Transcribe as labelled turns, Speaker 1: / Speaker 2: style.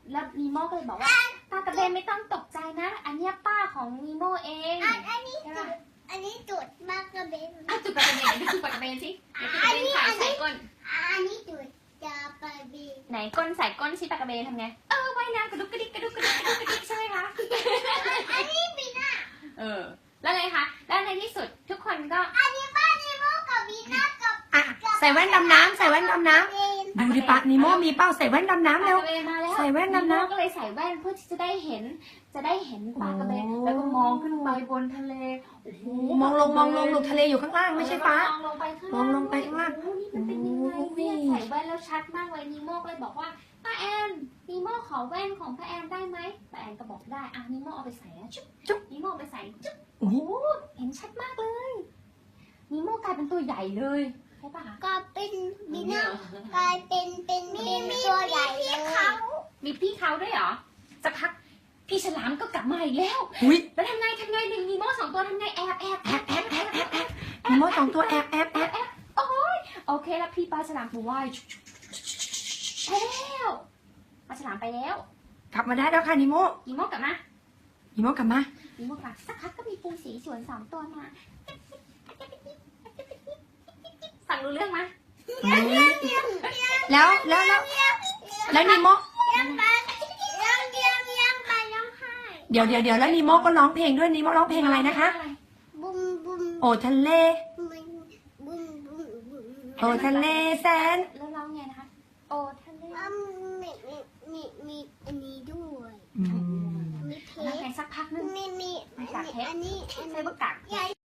Speaker 1: แล้วนีโม่ก็เลยบอกว่าป้ากระเบนไม่ต้องตกใจนะอันเนี้ยป้าของนีโม่เอง
Speaker 2: อันนี้จุดมากกระเบน
Speaker 1: จุดปากกระเบนไหนจุดปากกระเบนสิไหนจุดปากกระเบนใส่ก้น
Speaker 2: อันนี้จุดจะกระเบน
Speaker 1: ไหนก้นใส่ก้นชิปากกระเบนทำไงว่ายน้ำกระดุกกระดิกกระดุกกระดิกกระดุกกระดิกใช่ไหมคะ
Speaker 2: อันนี้บีน่า
Speaker 1: แล้วไงคะแล้วในที่สุดทุกคนก็
Speaker 2: อันนี้ป้านีโม่กับบีน่ากับ
Speaker 3: ใส่แว่นดำน้ำใส่แว่นดำน้ำดูดิปะนีโม่มีเป้าใส่แว่นดำน้ำเร็วใส่แว่นดำน้ำ
Speaker 1: ก็เลยใส่แว่นเพื่อที่จะได้เห็นปลากระเบนแล้วก็มองขึ้นไปบนทะเล
Speaker 3: มองลงลูกทะเลอยู่ข้างล่างไม่ใช่ฟ้าม
Speaker 1: องลงไปข้าง
Speaker 3: มองลงไปข้างล่าง
Speaker 1: นี่มันเป็นยังไงเนี่ยใส่แว่นแล้วชัดมากเลยนีโม่เลยบอกว่าป้าแอนนีโม่ขอแว่นของป้าแอนได้ไหมป้าแอนก็บอกได้นีโม่เอาไปใส่นะจุ๊บนีโม่ไปใส่จุ๊บโอ้โหเห็นชัดมากเลยนีโม่กลายเป็นตัวใหญ่เลยใช่ปะคะ
Speaker 2: ก็เป็นบีน่ากลายเป็นตัวใหญ่เลย
Speaker 1: มีพี่เขาด้วยเหรอสักพักพี่ฉลามก็กลับมาอีกแล้วแล้วทำไงนีโม่2 ตัวทำไงแอบ
Speaker 3: นีโม่2 ตัวแอบ
Speaker 1: โอ้ยโอเคแล้วพี่ปลาฉลามไปว่ายไปแล้วปลาฉลามไปแล้ว
Speaker 3: กลับมาได้แล้วค่ะนีโม่
Speaker 1: กลับมาสักพักก็มีปูสีสวน2 ตัวมาฟังรู้เรื่องไหม
Speaker 3: แล้วนีโม่
Speaker 2: ยังไป
Speaker 3: เดี๋ยวแล้วนีโม่ก็ร้องเพลงด้วยนีโม่ร้องเพลงอะไรนะคะ
Speaker 2: บุ้ม
Speaker 3: โอทะเลโอทะเลแสน
Speaker 1: แล้วร้องไงนะคะโอทะเล
Speaker 2: มีอันนี้ด้วยมีเทป
Speaker 1: สักพักนึง
Speaker 2: มี
Speaker 1: อันนี้ใช้ประกาศ